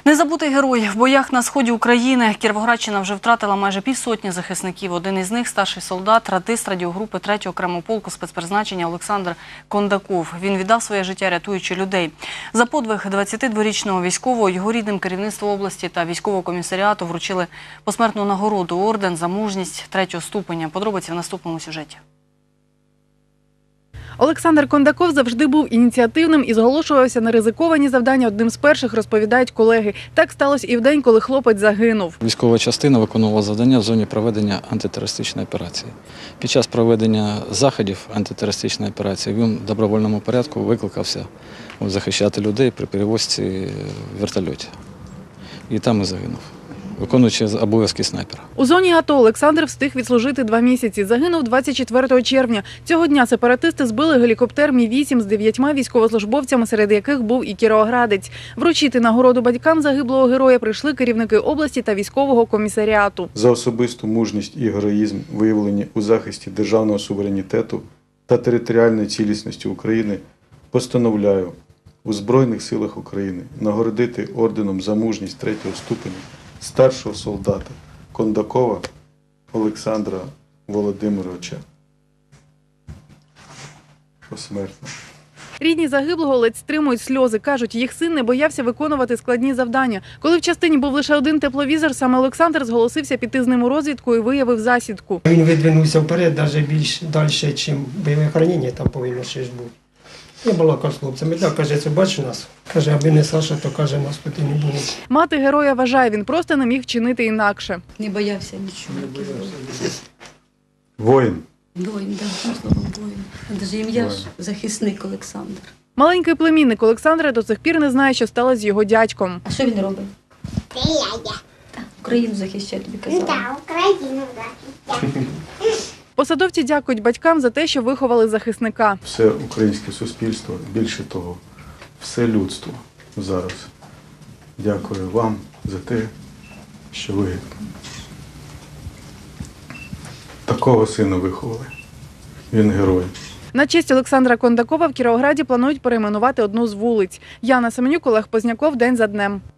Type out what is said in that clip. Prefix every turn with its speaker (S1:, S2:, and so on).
S1: Незабутий герой. В боях на сході України Кіровоградщина вже втратила майже півсотні захисників. Один із них – старший солдат, радист радіогрупи 3-го окремого полку спецпризначення Олександр Кондаков. Він віддав своє життя, рятуючи людей. За подвиг 22-річного військового його рідним керівництво області та військового комісаріату вручили посмертну нагороду – орден за мужність 3-го ступеня. Подробиці в наступному сюжеті.
S2: Олександр Кондаков завжди був ініціативним і зголошувався на ризиковані завдання. Одним з перших, розповідають колеги. Так сталося і в день, коли хлопець загинув.
S3: Військова частина виконувала завдання в зоні проведення антитерористичної операції. Під час проведення заходів антитерористичної операції він в добровольному порядку викликався захищати людей при перевозці в вертольоті. І там і загинув, виконуючи обов'язки снайпера.
S2: У зоні АТО Олександр встиг відслужити 2 місяці. Загинув 24 червня. Цього дня сепаратисти збили гелікоптер Мі-8 з 9 військовослужбовцями, серед яких був і кіровоградець. Вручити нагороду батькам загиблого героя прийшли керівники області та військового комісаріату.
S4: За особисту мужність і героїзм, виявлені у захисті державного суверенітету та територіальної цілісності України, постановляю у Збройних силах України нагородити орденом за мужність 3-го ступеня старшого солдата Кондакова Олександра Володимировича. Посмертно.
S2: Рідні загиблого ледь стримують сльози. Кажуть, їх син не боявся виконувати складні завдання. Коли в частині був лише один тепловізор, саме Олександр зголосився піти з ним у розвідку і виявив засідку.
S5: Він видвинувся вперед, навіть більш далі, ніж бойове хранення там повинно ще ж бути. Я балакав з хлопцями, так, каже, це бачиш нас? Каже, аби не Саша, то, каже, нас тут і не було.
S2: Мати героя вважає, він просто не міг вчинити інакше.
S6: Не боявся нічого.
S4: Воїн.
S6: Воїн, так, словом воїн. Навіть ім'я ж захисник Олександр.
S2: Маленький племінник Олександра до сих пір не знає, що сталося з його дядьком.
S6: А що він робить?
S7: Це я.
S6: Так, Україну захищає, тобі казала.
S7: Так, Україну захищаю.
S2: Посадовці дякують батькам за те, що виховали захисника.
S4: Все українське суспільство, більше того, все людство зараз дякую вам за те, що ви такого сина виховали. Він герой.
S2: На честь Олександра Кондакова в Кіровограді планують перейменувати одну з вулиць. Яна Семенюк, Олег Позняков. День за днем.